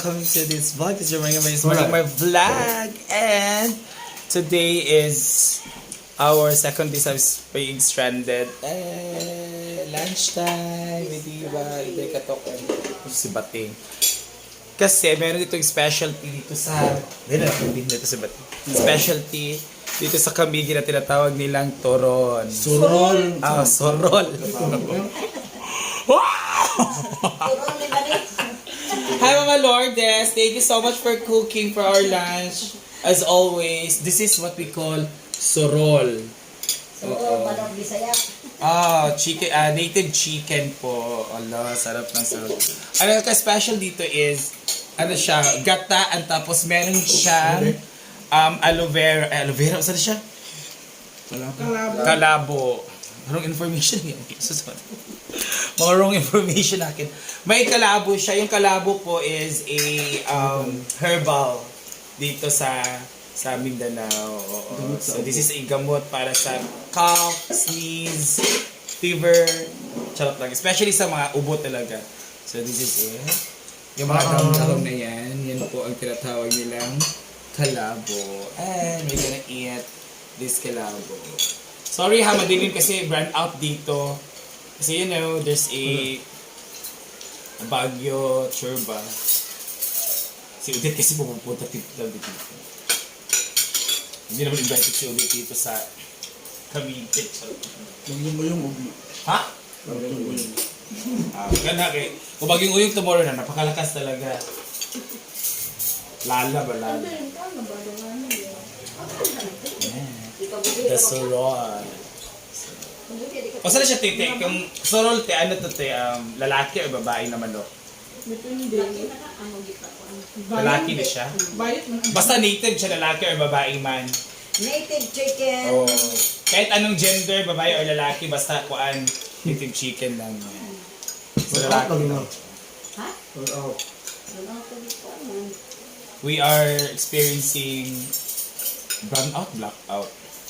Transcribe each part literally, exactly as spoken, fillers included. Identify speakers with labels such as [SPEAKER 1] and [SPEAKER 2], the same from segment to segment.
[SPEAKER 1] welcome to this vlog. This is your my my vlog, and today is our second day of being stranded. Eh, lunchtime, di ba? Hindi katok si Bating. Kasi meron ditong specialty dito sa dito dito sa Bating. Specialty dito sa Camiguin na tinatawag nilang toron.
[SPEAKER 2] Sorol.
[SPEAKER 1] Ah, sorol. Hi Mama Lourdes, thank you so much for cooking for our lunch. As always, this is what we call sorol.
[SPEAKER 3] Oo, manok Bisaya.
[SPEAKER 1] Ah, chicken, ah, native chicken po. Allah, sarap ng sarap. Ano ka special dito is, ano siya, gataan tapos meron siyang um, aloe vera. Eh, aloe vera, saan siya?
[SPEAKER 2] Kalabo.
[SPEAKER 1] Kalabo. Wrong information yan. Susunod. Mga wrong information akin. May kalabo siya. Yung kalabo po is a um, herbal dito sa sa Mindanao. Oo. So this is a gamot para sa cough, sneeze, fever, charot lang. Especially sa mga ubo talaga. So this is it. Yung mga dahon-dahon na yan, yan po ang tinatawag nilang kalabo. And we're gonna eat this kalabo. Sorry ha, madilim kasi brand out dito. Kasi you know, there's a, a Baguio Churba. Si Udit kasi pupunta dito dito. Hindi naman invited si Udit dito sa Cavite.
[SPEAKER 2] Lagyan mo yung ubi.
[SPEAKER 1] Ha?
[SPEAKER 2] Lagyan mo yung
[SPEAKER 1] Ah, ganda kay. Kung Bagyong Uyong tomorrow na, napakalakas talaga. Lala ba lala? The sorol. O saan siya titi? Kung sorol te, ano to te? Um, lalaki o babae na manok? Lalaki na siya? Basta native siya, lalaki o babae man.
[SPEAKER 3] Native chicken.
[SPEAKER 1] Oh. Kahit anong gender, babae o lalaki, basta kuan native chicken lang. So lalaki.
[SPEAKER 3] Ha?
[SPEAKER 2] out.
[SPEAKER 1] We are experiencing brown out, black out.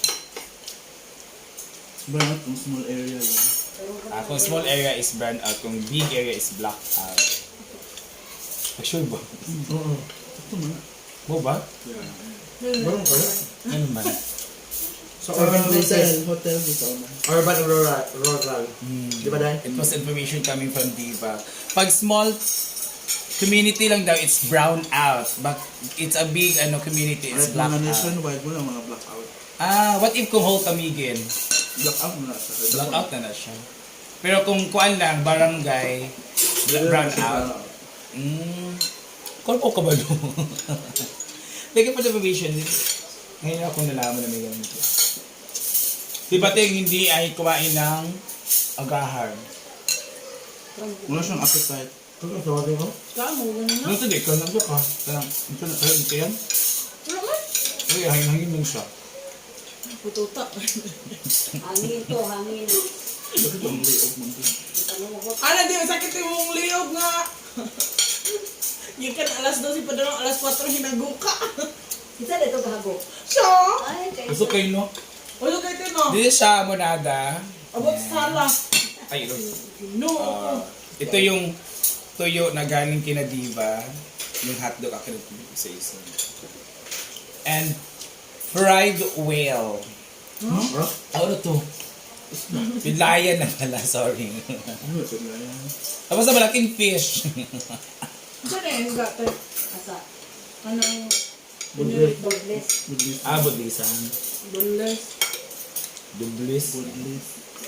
[SPEAKER 2] Burn out kung small area lang.
[SPEAKER 1] Ah, kung small area is brown out, kung big area is black out. Ah, sure ba?
[SPEAKER 2] Oo. Ito man.
[SPEAKER 1] Mo ba?
[SPEAKER 2] Barong kaya?
[SPEAKER 1] Ano man?
[SPEAKER 2] Sa urban places. Hotel dito man.
[SPEAKER 4] Urban rural, rural.
[SPEAKER 1] Hmm.
[SPEAKER 4] Di ba dahil?
[SPEAKER 1] It was information coming from Diva. Pag small community lang daw, it's brown out. But it's a big ano community, it's
[SPEAKER 2] Right,
[SPEAKER 1] black
[SPEAKER 2] mga
[SPEAKER 1] out.
[SPEAKER 2] nationwide mo lang mga blackout.
[SPEAKER 1] Ah, what if kung whole Camiguin?
[SPEAKER 2] Blackout mo na sa
[SPEAKER 1] Black out na na siya. Pero kung kuan lang, barangay, bla- brown out. Mm. Kung ka ba doon? Lagi pa information din. Ngayon ako nalaman na may ganito. Si Bating hindi ay kumain ng agahar.
[SPEAKER 2] Wala siyang appetite.
[SPEAKER 4] Ano sa watin ko?
[SPEAKER 1] Ano ito di? Ikaw lang ka. Tanang, ito na. Ito ito yan? Uy, hangin-hangin lang siya.
[SPEAKER 5] Pututa.
[SPEAKER 3] Hangin to, hangin.
[SPEAKER 2] Bakit ang liog mo din?
[SPEAKER 5] Ano di, sakit yung mong liog nga. Yung kan alas dos, pa doon alas kwatro hinaguka.
[SPEAKER 3] Isa dito gago.
[SPEAKER 5] Siya?
[SPEAKER 3] Ay, kay.
[SPEAKER 1] Gusto kayo no?
[SPEAKER 5] Ulo kayo din no?
[SPEAKER 1] This is siya monada.
[SPEAKER 5] Abot sa sala.
[SPEAKER 1] Ay, ito.
[SPEAKER 5] No.
[SPEAKER 1] Ah, ito yung tuyo na galing kina Diva. Yung hotdog akin sa isa. And fried whale.
[SPEAKER 2] Huh? Bro?
[SPEAKER 1] Ano to? Bidlayan na pala, sorry.
[SPEAKER 2] Ano ito na yan?
[SPEAKER 1] Tapos na malaking fish.
[SPEAKER 5] Saan na yung gato?
[SPEAKER 3] Asa.
[SPEAKER 5] Anong
[SPEAKER 4] Budlis.
[SPEAKER 3] Dobles.
[SPEAKER 2] Budlis.
[SPEAKER 1] ah, bulisan.
[SPEAKER 5] bulas?
[SPEAKER 1] Dublis.
[SPEAKER 2] Budlis.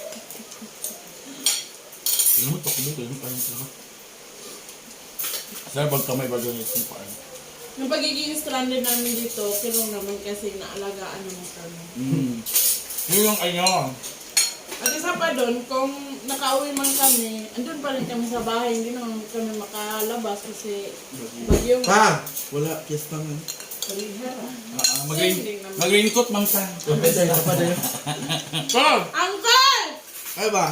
[SPEAKER 2] Ano mo takbo? Kaya yung parang lahat.
[SPEAKER 1] Sir, pag kamay ba ganyan yung paan?
[SPEAKER 5] Yung pagiging stranded namin dito, pero naman kasi naalagaan naman kami.
[SPEAKER 1] Mm. Yun yung ano.
[SPEAKER 5] At isa pa doon, kung nakauwi man kami, andun pa rin kami sa bahay, hindi naman kami makalabas kasi bagyong
[SPEAKER 4] Pa!
[SPEAKER 2] Wala. Fiesta nga.
[SPEAKER 1] Ah, mag-rain, mag-raincoat mang ka.
[SPEAKER 4] Kapatay, kapatay.
[SPEAKER 1] Come!
[SPEAKER 5] Uncle!
[SPEAKER 2] Ay ba?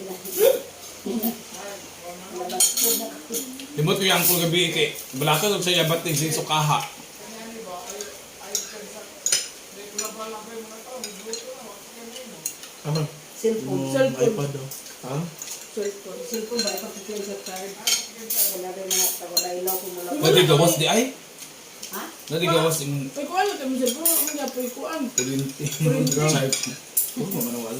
[SPEAKER 1] Timot ko yung angkol gabi kay balakad og sa yabat ng sin sukaha.
[SPEAKER 4] Ano?
[SPEAKER 3] Cellphone.
[SPEAKER 2] Yung
[SPEAKER 5] Cellphone.
[SPEAKER 2] iPad daw.
[SPEAKER 4] Ha?
[SPEAKER 5] Cellphone.
[SPEAKER 3] Cellphone ba? Ipapipil sa card. Wala rin mga taga ilaw ko mula.
[SPEAKER 1] Nadigawas di ay?
[SPEAKER 3] Ha?
[SPEAKER 1] Nadigawas yung
[SPEAKER 5] Ay, kuan na kami sa bro. Ang gapoy kuan.
[SPEAKER 1] kulinti. Chart. Oo, mamanawala.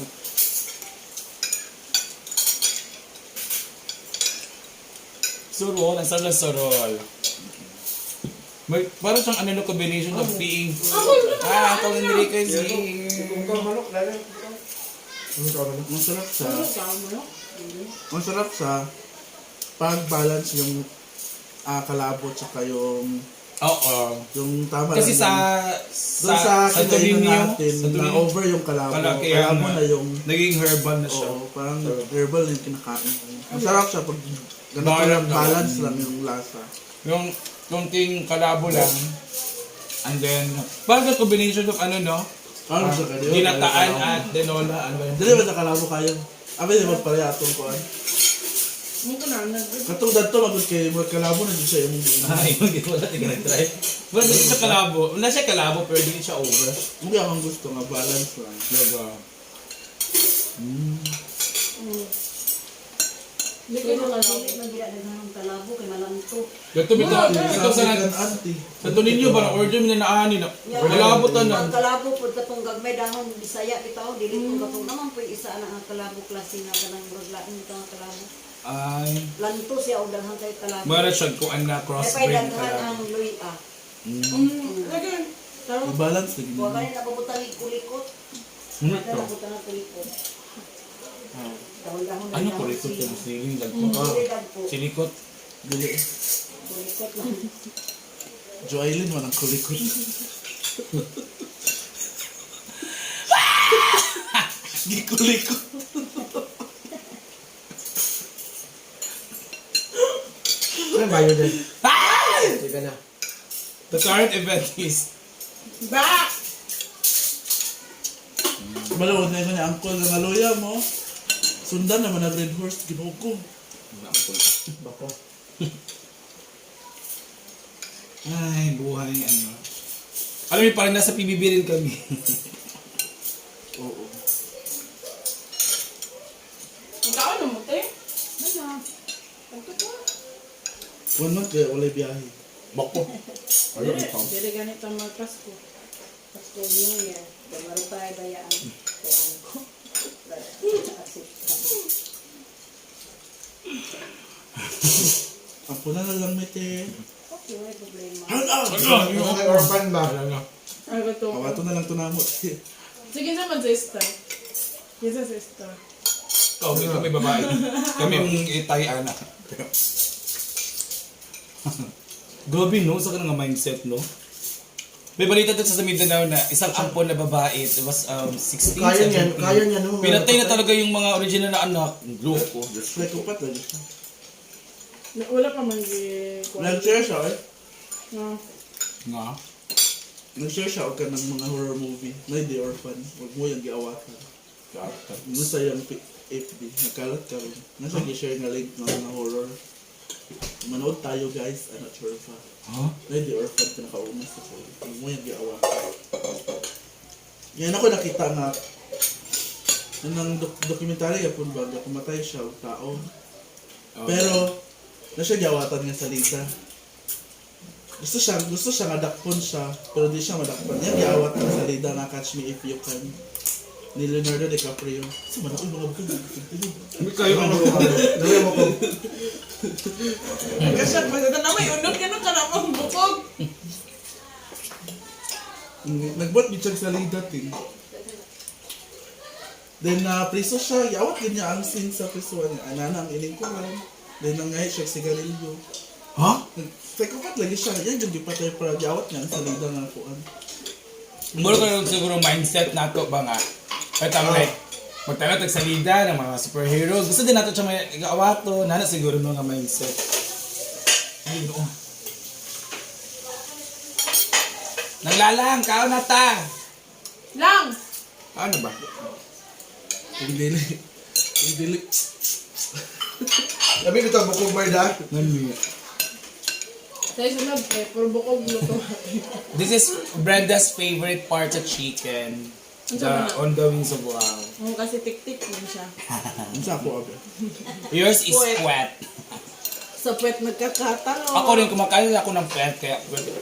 [SPEAKER 1] Surol, ang sarap ng surol. May, parang siyang ano no combination of being... Ah, ito yung Enrique is
[SPEAKER 4] Kung ka manok, lalo. Ano ka manok?
[SPEAKER 2] Masarap sa,
[SPEAKER 5] Ano ka mo, no?
[SPEAKER 2] masarap sa pag-balance yung ah, kalabot saka yung
[SPEAKER 1] Oo.
[SPEAKER 2] yung tama
[SPEAKER 1] Kasi
[SPEAKER 2] lang
[SPEAKER 1] sa...
[SPEAKER 2] yung- doon sa
[SPEAKER 1] Sa
[SPEAKER 2] kinainan
[SPEAKER 1] Tolinio,
[SPEAKER 2] natin
[SPEAKER 1] sa
[SPEAKER 2] na
[SPEAKER 1] Tolinio,
[SPEAKER 2] over yung kalabo.
[SPEAKER 1] Kala- kaya
[SPEAKER 2] Kalabo
[SPEAKER 1] nga.
[SPEAKER 2] na yung
[SPEAKER 1] naging herbal na siya.
[SPEAKER 2] oo, parang herbal yung kinakain. Masarap siya pag ganito
[SPEAKER 1] Balance
[SPEAKER 2] lang,
[SPEAKER 1] lang.
[SPEAKER 2] balance lang yung lasa.
[SPEAKER 1] Yung kunting kalabo lang. And then, parang yung combination of ano no?
[SPEAKER 2] Ano
[SPEAKER 1] Ah,
[SPEAKER 2] sa kanyo?
[SPEAKER 1] ginataan at denola. Ano yun?
[SPEAKER 2] Dili ba sa kalabo kayo? Abi di ba pala atong kuan?
[SPEAKER 5] Mo ko na nag.
[SPEAKER 2] Katong dadto magud kay mga kalabo na jud siya yung hindi.
[SPEAKER 1] Ay, hindi ko wala tingnan nag-try. Well, hindi siya kalabo. Wala siya kalabo pero hindi siya over.
[SPEAKER 2] Hindi akong gusto nga balance lang.
[SPEAKER 1] Diba?
[SPEAKER 5] Mm. Hindi ko
[SPEAKER 3] Kaya
[SPEAKER 5] na
[SPEAKER 3] mga
[SPEAKER 5] kalabo.
[SPEAKER 3] dili man gila ng kalabo kay malanto.
[SPEAKER 1] Ito, ito, ito sa
[SPEAKER 2] Sabi kan auntie.
[SPEAKER 1] sa to ninyo ba na order mo na naani na kalabo ta na.
[SPEAKER 3] Ang kalabo pud katong gagmay dahon Bisaya bitaw dili ko katong naman po isa na ang kalabo klase nga kanang murag lain ito ang kalabo.
[SPEAKER 1] Ay,
[SPEAKER 3] Lanto siya og daghang kay kalabo.
[SPEAKER 1] mara siya kung ang na
[SPEAKER 3] Ay
[SPEAKER 1] crossbreed
[SPEAKER 3] pay daghan
[SPEAKER 1] kalabo.
[SPEAKER 3] ang luya.
[SPEAKER 5] Mm. Lagi. Taro.
[SPEAKER 2] I-balance lagi
[SPEAKER 3] Wa
[SPEAKER 2] mo.
[SPEAKER 3] kani napabutang ni kulikot.
[SPEAKER 1] Hmm,
[SPEAKER 3] Wala
[SPEAKER 1] ito.
[SPEAKER 3] napabutang ng kulikot. Dahon-dahon
[SPEAKER 1] Ano ko rito yung siling dagko?
[SPEAKER 3] Dili dagko.
[SPEAKER 1] Silikot.
[SPEAKER 2] Dili.
[SPEAKER 3] Kulikot lang.
[SPEAKER 2] Joylin man ang kulikot. Gikulikot.
[SPEAKER 4] Ano ba yun din?
[SPEAKER 1] Ay!
[SPEAKER 4] Sige na.
[SPEAKER 1] The current event is
[SPEAKER 5] Ba!
[SPEAKER 2] Malawad na yun ni Uncle nga naluya mo. Sundan naman ang Red Horse, ginoo ko.
[SPEAKER 4] Bako.
[SPEAKER 1] ay, buhay ano. Alam niyo, parang nasa P B B rin kami.
[SPEAKER 2] Oo.
[SPEAKER 5] Ikaw ano mo, te? Ano? Ito po.
[SPEAKER 2] One month kaya walay biyahe.
[SPEAKER 1] Bako.
[SPEAKER 5] Dili. Dili ganit ang mga Pasko.
[SPEAKER 3] Pasko New Year. Damaro tayo bayaan. Kuan ko.
[SPEAKER 2] Ang puna na lang may te.
[SPEAKER 3] Okay, may problema.
[SPEAKER 2] Hala!
[SPEAKER 4] Ano kay orphan ba?
[SPEAKER 5] Ay, ito.
[SPEAKER 2] Kawato na lang to na mo.
[SPEAKER 5] Sige naman, sister. Yes, sister.
[SPEAKER 1] Kami kami babae. Kami yung itay anak. Grabe no, sa kanang mindset no. May balita dito sa Mindanao na isang ampon na babae, it was um, sixteen,
[SPEAKER 4] Kaya niyan,
[SPEAKER 1] seventeen.
[SPEAKER 4] kaya niyan. no?
[SPEAKER 1] Pinatay na talaga yung mga original na anak. Loko.
[SPEAKER 2] Psychopath lagi siya.
[SPEAKER 5] Na- Wala pa man gi...
[SPEAKER 2] Nag-share siya eh.
[SPEAKER 5] No.
[SPEAKER 1] Nga.
[SPEAKER 2] Nag-share siya og ka ng mga horror movie. Na The Orphan. Huwag mo yung giawakan. Nasa yung F B. Nagkalat ka rin. Nasa gi-share nga link ng mga horror. Manood tayo guys. I'm not sure pa.
[SPEAKER 1] Ha?
[SPEAKER 2] Na The Orphan ka nakauna sa ko. Huwag mo yung giawakan. Yan ako nakita nga nang dok- dokumentary yapon ba nga kumatay siya og tao. Pero na siya giawatan nga salita. Gusto siya, gusto siya nga dakpon siya, pero di siya madakpon. Yan giawat nga salita na Catch Me If You Can ni Leonardo DiCaprio. Sa man ako yung mga bukid.
[SPEAKER 1] Hindi kayo ang
[SPEAKER 4] Dali mo ko.
[SPEAKER 5] Kasi pagkata na may unod ka na ka namang bukog.
[SPEAKER 2] Nagbuat gid siya sa salita tin. Then na priso siya, giawat gid niya ang scene sa priso niya. Anana ang ining ko lang. Then nangay siya sigarilyo.
[SPEAKER 1] Ha?
[SPEAKER 2] Psychopath lagi siya. Yan yung gipatay para giawat niya ang salita nga kuan.
[SPEAKER 1] Muro ka lang siguro mindset nato ba nga. At ang like, magtanong tag salida ng mga superheroes. Gusto din nato siya may gaawato. Nana siguro no nga mindset. Ay, no. Naglalang, kao na ta.
[SPEAKER 5] Lang!
[SPEAKER 1] Ano ba?
[SPEAKER 2] Yung dili. Yung dili.
[SPEAKER 4] Labi ko ito, bukog Marda.
[SPEAKER 1] Nami.
[SPEAKER 5] Sa isunod, eh, puro bukog luto.
[SPEAKER 1] This is Brenda's favorite part of chicken.
[SPEAKER 5] Ano
[SPEAKER 1] The
[SPEAKER 5] ba na?
[SPEAKER 1] on the wings of wow.
[SPEAKER 5] Oo, kasi tik-tik din siya.
[SPEAKER 2] Ang sa ako abi.
[SPEAKER 1] Yours is squat.
[SPEAKER 5] Sa puwet nagkakatalo.
[SPEAKER 1] Ako rin kumakain ako ng pet kaya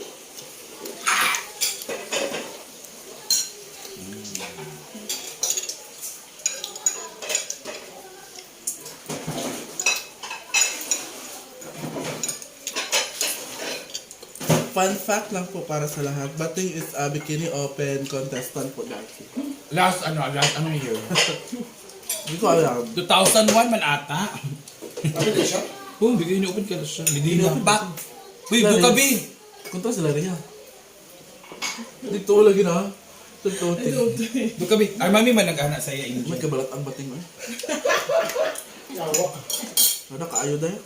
[SPEAKER 2] Fun fact lang po para sa lahat. Bating is a bikini open contestant po dati.
[SPEAKER 1] last ano, last ano year?
[SPEAKER 2] Hindi ko alam.
[SPEAKER 1] two thousand one man ata.
[SPEAKER 4] Sabi din siya.
[SPEAKER 1] Oh, bigay ni open ka na siya. Bigay
[SPEAKER 2] Bigay
[SPEAKER 1] na
[SPEAKER 2] ni
[SPEAKER 1] back. Uy, buka bi.
[SPEAKER 2] Kunta sila rin yan. Dito lagi na. Dito.
[SPEAKER 1] Buka bi. Ay mami man nag-anak sa iya
[SPEAKER 2] May
[SPEAKER 1] inyo.
[SPEAKER 2] kabalat ang bating mo eh.
[SPEAKER 4] Yawa.
[SPEAKER 2] Ano kaayo dahil?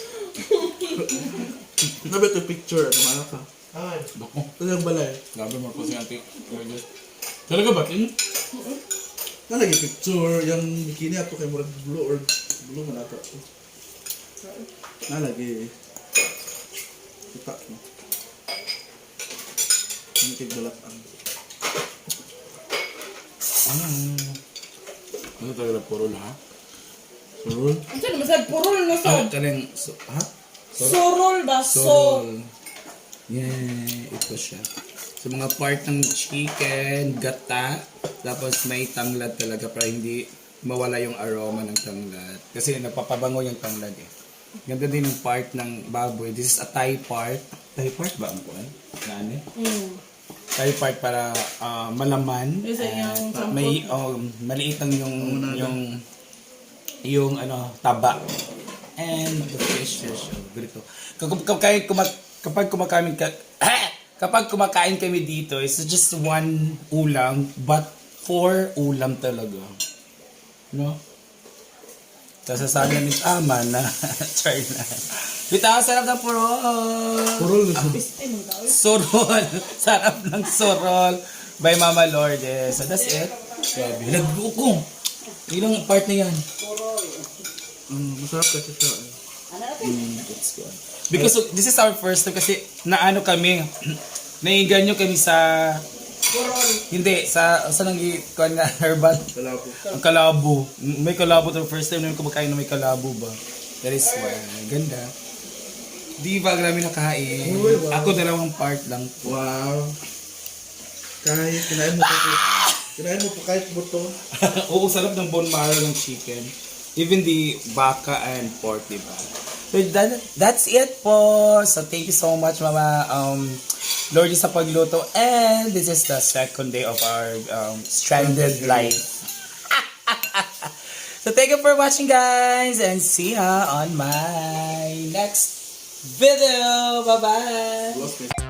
[SPEAKER 2] Nabi ito picture. Ano mana ka?
[SPEAKER 4] Ay.
[SPEAKER 1] Bako.
[SPEAKER 2] Ito yung balay.
[SPEAKER 1] Grabe mo ko si ate. Talaga ba? Tin?
[SPEAKER 2] Na lagi picture. Yung bikini ato kay murag blue or blue man ato. Na lagi. Kita mo. Hindi kay balat ang.
[SPEAKER 1] Ano? Ano talaga puro ha?
[SPEAKER 2] Surul.
[SPEAKER 5] Ano siya naman sa purol na
[SPEAKER 1] Ah,
[SPEAKER 5] sa?
[SPEAKER 1] kaling so, ha?
[SPEAKER 5] Surol ba? So,
[SPEAKER 1] Sorol. Yeah, ito siya. Sa mga part ng chicken, gata, tapos may tanglad talaga para hindi mawala yung aroma ng tanglad. Kasi napapabango yung tanglad eh. Ganda din yung part ng baboy. This is a Thai part. Thai part ba ang kuwan? Ano?
[SPEAKER 5] mm.
[SPEAKER 1] Thai part para ah, malaman.
[SPEAKER 5] Isa yung
[SPEAKER 1] At
[SPEAKER 5] sampot.
[SPEAKER 1] may um, maliit lang yung yung yung ano taba. And the fish fish. Oh, ganito. Kapag kumakain kumak kapag kumakain ka kapag kumakain kami dito, it's just one ulam but four ulam talaga. No? Sasasabi ni ama na try na. Bitaw, sarap ng purol.
[SPEAKER 2] Surul na siya.
[SPEAKER 5] Piste mo daw.
[SPEAKER 1] Sorol. Sarap ng sorol by Mama Lourdes. So that's it. Grabe. Nagbuko. Ilang part na yan?
[SPEAKER 2] Mm, masarap kasi siya. eh.
[SPEAKER 3] Ano natin?
[SPEAKER 1] Mm, that's good. Because of- this is our first time kasi naano kami, naiganyo kami sa, hindi, sa, sa nang kuhan nga, herbal,
[SPEAKER 2] Wala po.
[SPEAKER 1] ang kalabo. May kalabo to first time namin kumakain na may kalabo ba. That is why, ganda. Di ba grabe nakain?
[SPEAKER 2] Uy, wow.
[SPEAKER 1] Ako dalawang part lang.
[SPEAKER 2] Wow. Kahit kinain mo pa po. Kinain mo pa kahit buto.
[SPEAKER 1] Oo, sarap ng bone marrow ng chicken. Even the baka and pork, di ba? So that, that's it po. So thank you so much, Mama um, Lordy sa pagluto. And this is the second day of our um, stranded life. So thank you for watching, guys. And see ya on my next video. Bye-bye.
[SPEAKER 2] Lost me.